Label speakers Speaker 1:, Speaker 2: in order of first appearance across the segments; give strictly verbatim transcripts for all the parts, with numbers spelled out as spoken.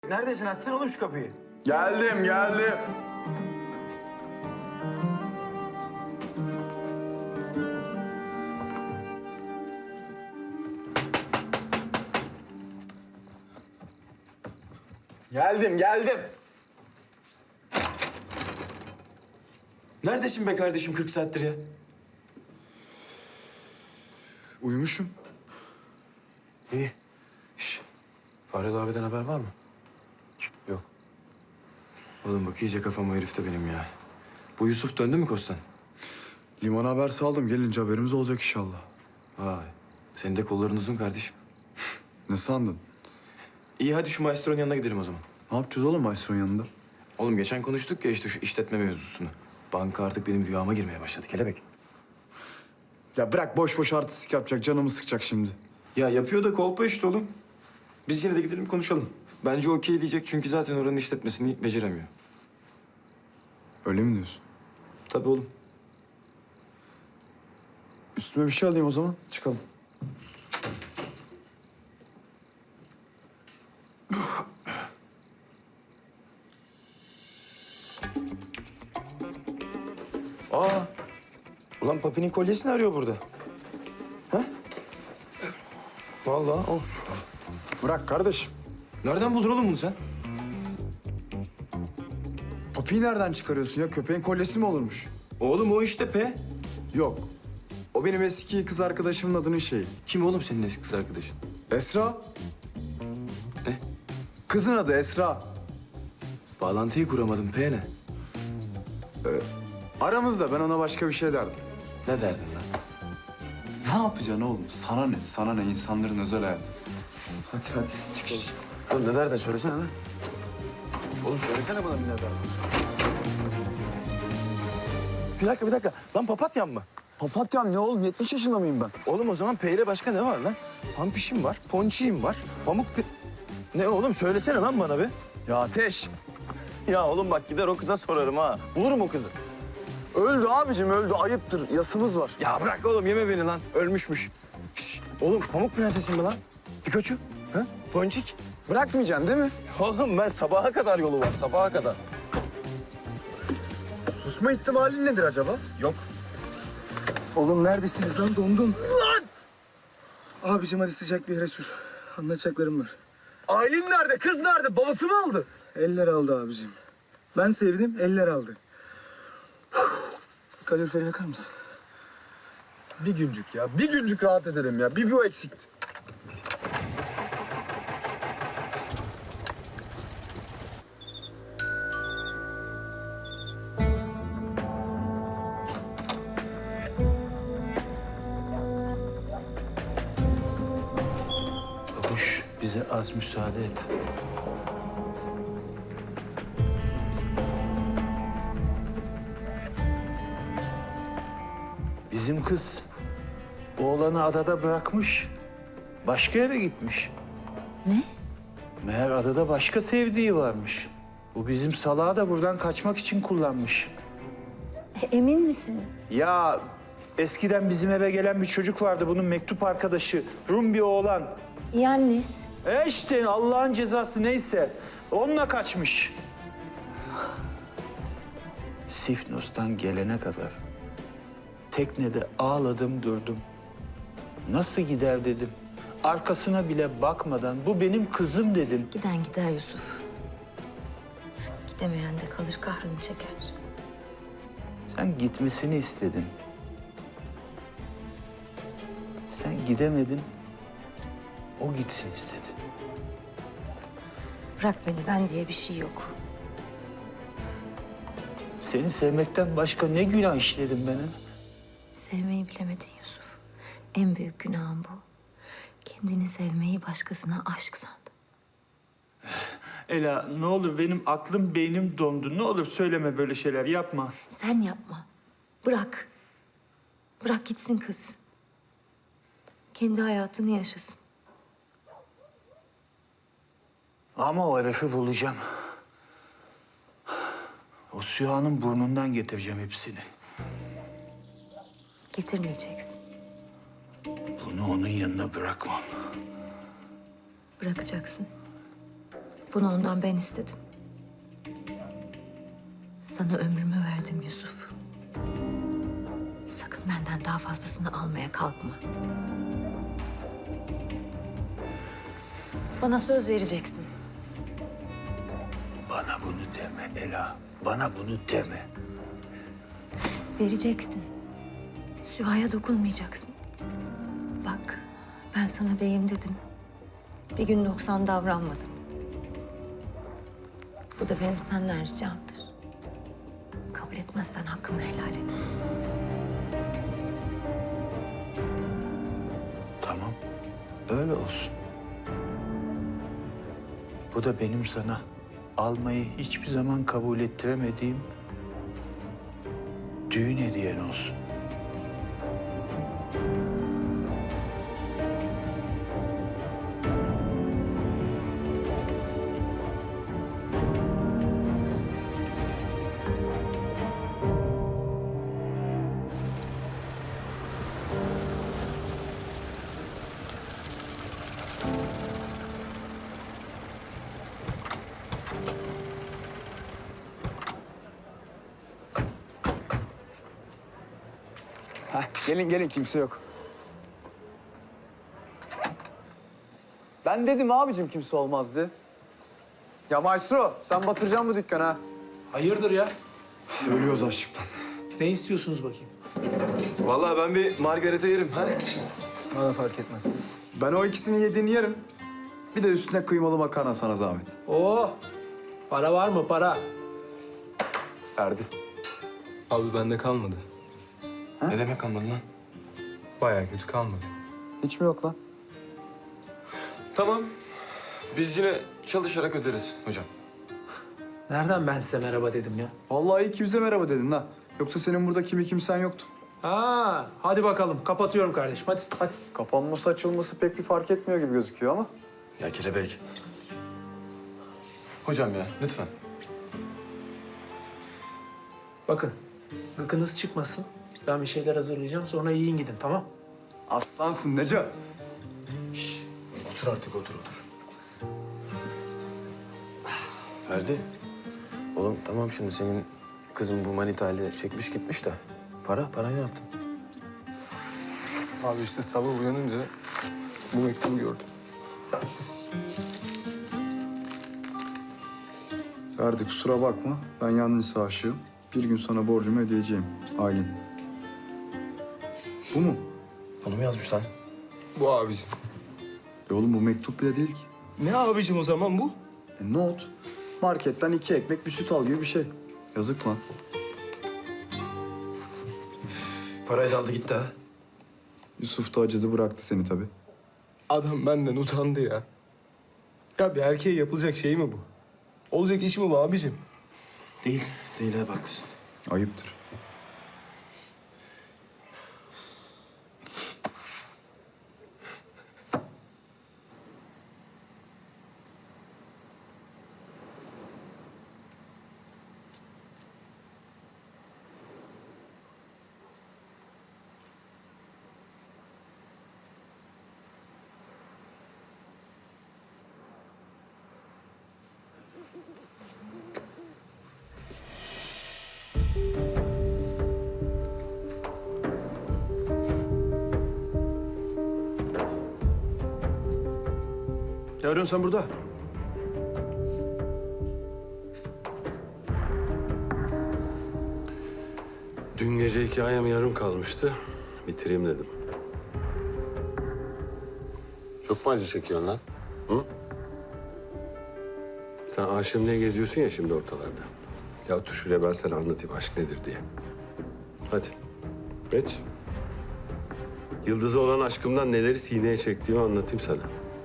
Speaker 1: Neredesin? Açsana oğlum şu kapıyı.
Speaker 2: Geldim, geldim. Geldim, geldim.
Speaker 1: Neredesin be kardeşim kırk saattir ya?
Speaker 2: Uyumuşum.
Speaker 1: İyi. Şş. Faryalı abiden haber var mı?
Speaker 2: Yok.
Speaker 1: Oğlum bak iyice kafam o herifte benim ya. Bu Yusuf döndü mü Kostan?
Speaker 2: Limana haber saldım. Gelince haberimiz olacak inşallah.
Speaker 1: Vay. Senin de kolların uzun kardeşim.
Speaker 2: Ne sandın?
Speaker 1: İyi hadi şu maestronun yanına gidelim o zaman.
Speaker 2: Ne yapacağız oğlum maestronun yanında?
Speaker 1: Oğlum geçen konuştuk ya işte şu işletme mevzusunu. Banka artık benim rüyama girmeye başladı kelebek.
Speaker 2: Ya bırak boş boş artistik yapacak. Canımı sıkacak şimdi.
Speaker 1: Ya yapıyor da kolpa işte oğlum. Biz yine de gidelim konuşalım. Bence okey diyecek çünkü zaten oranın işletmesini beceremiyor.
Speaker 2: Öyle mi diyorsun?
Speaker 1: Tabii oğlum.
Speaker 2: Üstüme bir şey alayım o zaman. Çıkalım.
Speaker 1: Aa. Ulan Papi'nin kolyesini arıyor burada. Ha? Vallahi o.
Speaker 2: Bırak kardeşim.
Speaker 1: Nereden buldun oğlum bunu sen?
Speaker 2: Papiyi nereden çıkarıyorsun ya? Köpeğin kolyesi mi olurmuş?
Speaker 1: Oğlum o işte P.
Speaker 2: Yok. O benim eski kız arkadaşımın adının şeyi.
Speaker 1: Kim oğlum senin eski kız arkadaşın?
Speaker 2: Esra.
Speaker 1: Ne?
Speaker 2: Kızın adı Esra.
Speaker 1: Bağlantıyı kuramadım. P ne?
Speaker 2: Aramızda ben ona başka bir şey derdim.
Speaker 1: Ne derdin lan?
Speaker 2: Ne yapacaksın oğlum? Sana ne? Sana ne? İnsanların özel hayatı. Hadi hadi çıkalım.
Speaker 1: Oğlum ne derdin? Söylesene lan. Oğlum söylesene bana bir ne derdin. Bir dakika, bir dakika. Lan papatyam mı?
Speaker 2: Papatyam ne oğlum? yetmiş yaşında mıyım ben?
Speaker 1: Oğlum o zaman P ile başka ne var lan? Pampişim var, ponçiyim var, pamuk... pi- Ne oğlum söylesene lan bana be.
Speaker 2: Ya Ateş.
Speaker 1: Ya oğlum bak gider o kıza sorarım ha. Bulurum o kızı.
Speaker 2: Öldü abicim öldü. Ayıptır. Yasımız var.
Speaker 1: Ya bırak oğlum yeme beni lan. Ölmüşmüş. Şş, oğlum pamuk prensesim mi lan? Pikachu? Ha? Ponçik?
Speaker 2: Bırakmayacaksın değil mi?
Speaker 1: Oğlum ben sabaha kadar yolu var, sabaha kadar.
Speaker 2: Susma ihtimalin nedir acaba?
Speaker 1: Yok.
Speaker 3: Oğlum neredesiniz lan? Dondum. Lan! Abicim hadi sıcak bir yere sür. Anlatacaklarım var.
Speaker 2: Aylin nerede? Kız nerede? Babası mı aldı?
Speaker 3: Eller aldı abicim. Ben sevdim, eller aldı. Kaloriferi yakar mısın?
Speaker 2: Bir güncük ya. Bir güncük rahat edelim ya. Bir bu eksikti.
Speaker 4: Babuş, bize az müsaade et. Bizim kız oğlanı adada bırakmış. Başka yere gitmiş.
Speaker 5: Ne?
Speaker 4: Meğer adada başka sevdiği varmış. Bu bizim salağı da buradan kaçmak için kullanmış.
Speaker 5: E, emin misin?
Speaker 4: Ya eskiden bizim eve gelen bir çocuk vardı, bunun mektup arkadaşı. Rum bir oğlan.
Speaker 5: Yannis.
Speaker 4: E işte Allah'ın cezası neyse. Onunla kaçmış. Sifnos'tan gelene kadar teknede ağladım durdum. Nasıl gider dedim. Arkasına bile bakmadan bu benim kızım dedim.
Speaker 5: Giden gider Yusuf. Gidemeyen de kalır kahrını çeker.
Speaker 4: Sen gitmesini istedin. Sen gidemedin. O gitsin istedi.
Speaker 5: Bırak beni, ben diye bir şey yok.
Speaker 4: Seni sevmekten başka ne günah işledim ben? Ha?
Speaker 5: Sevmeyi bilemedin Yusuf. En büyük günahın bu. Kendini sevmeyi başkasına aşk sandın.
Speaker 4: Ela ne olur benim aklım beynim dondu. Ne olur söyleme böyle şeyler yapma.
Speaker 5: Sen yapma. Bırak. Bırak gitsin kız. Kendi hayatını yaşasın.
Speaker 4: Ama o herifi bulacağım. O Süha'nın burnundan getireceğim hepsini.
Speaker 5: Getirmeyeceksin.
Speaker 4: Bunu onun yanına bırakmam.
Speaker 5: Bırakacaksın. Bunu ondan ben istedim. Sana ömrümü verdim Yusuf. Sakın benden daha fazlasını almaya kalkma. Bana söz vereceksin.
Speaker 4: Bana bunu deme Ela. Bana bunu deme.
Speaker 5: Vereceksin. Süha'ya dokunmayacaksın. Bak, ben sana beyim dedim. Bir gün noksan davranmadım. Bu da benim senden ricamdır. Kabul etmezsen hakkımı helal etme.
Speaker 4: Tamam. Öyle olsun. Bu da benim sana almayı hiçbir zaman kabul ettiremediğim düğün hediyen olsun.
Speaker 2: Heh, gelin gelin kimse yok. Ben dedim abicim kimse olmazdı. Ya maestro sen batıracaksın bu dükkanı ha.
Speaker 6: Hayırdır ya?
Speaker 2: Ölüyoruz açlıktan.
Speaker 6: Ne istiyorsunuz bakayım?
Speaker 1: Vallahi ben bir margarita yerim. Ha?
Speaker 2: Bana fark etmez. Ben o ikisini yediğini yerim. Bir de üstüne kıymalı makarna sana zahmet.
Speaker 6: Oo, para var mı para?
Speaker 2: Ferdi.
Speaker 7: Abi bende kalmadı.
Speaker 1: Ne demek kalmadı lan?
Speaker 7: Bayağı kötü kalmadı.
Speaker 2: Hiç mi yok lan?
Speaker 1: Tamam. Biz yine çalışarak öderiz hocam.
Speaker 6: Nereden ben size merhaba dedim ya?
Speaker 2: Vallahi iyi ki bize merhaba dedin ha. Yoksa senin burada kimi kimsen yoktu.
Speaker 6: Ha, hadi bakalım. Kapatıyorum kardeşim. Hadi, hadi.
Speaker 2: Kapanması açılması pek bir fark etmiyor gibi gözüküyor ama.
Speaker 1: Ya kelebek. Hocam ya lütfen.
Speaker 6: Bakın, gıkınız çıkmasın. Ben bir şeyler hazırlayacağım. Sonra yiyin gidin, tamam?
Speaker 2: Aslansın Neco.
Speaker 1: Otur artık otur otur. Ferdi. Oğlum tamam şimdi senin kızın bu manitayla çekmiş gitmiş de. Para, parayı ne yaptın?
Speaker 7: Abi işte sabah uyanınca bu mektubu gördüm.
Speaker 2: Ferdi kusura bakma. Ben yanlış aşığım. Bir gün sana borcumu ödeyeceğim. Aylin. Bu mu?
Speaker 1: Bunu mu yazmış lan?
Speaker 7: Bu abicim.
Speaker 2: E oğlum bu mektup bile değil ki.
Speaker 7: Ne abicim o zaman bu?
Speaker 2: E not. Marketten iki ekmek bir süt al gibi bir şey. Yazık lan.
Speaker 1: Parayı da aldı gitti ha.
Speaker 2: Yusuf da acıdı bıraktı seni tabii.
Speaker 7: Adam benden utandı ya. Ya bir erkeğe yapılacak şey mi bu? Olacak iş mi bu abicim?
Speaker 1: Değil, değil ha haklısın.
Speaker 2: Ayıptır.
Speaker 1: Ne arıyorsun sen burada?
Speaker 8: Dün gece hikayem yarım kalmıştı. Bitireyim dedim. Çok mu acı çekiyorsun lan? Hı? Sen aşığım diye geziyorsun ya şimdi ortalarda. Ya otur şuraya ben sana anlatayım aşk nedir diye. Hadi. Geç. Yıldız'a olan aşkımdan neleri sineye çektiğimi anlatayım sana.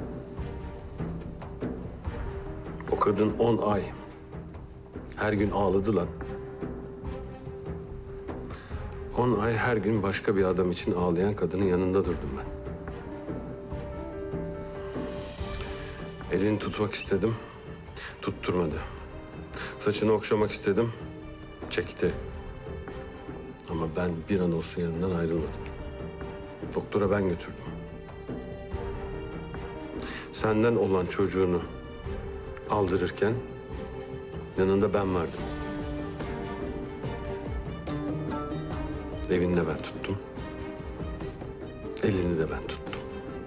Speaker 8: O kadın on ay. Her gün ağladı lan. On ay her gün başka bir adam için ağlayan kadının yanında durdum ben. Elini tutmak istedim, tutturmadı. Saçını okşamak istedim, çekti. Ama ben bir an olsun yanından ayrılmadım. Doktora ben götürdüm. Senden olan çocuğunu aldırırken yanında ben vardım. Evini de ben tuttum. Elini de ben tuttum.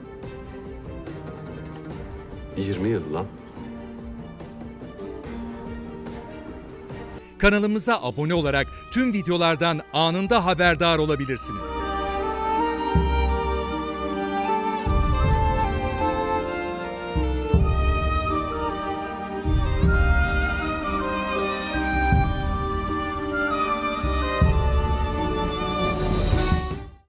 Speaker 8: yirmi yıl lan.
Speaker 9: Kanalımıza abone olarak tüm videolardan anında haberdar olabilirsiniz.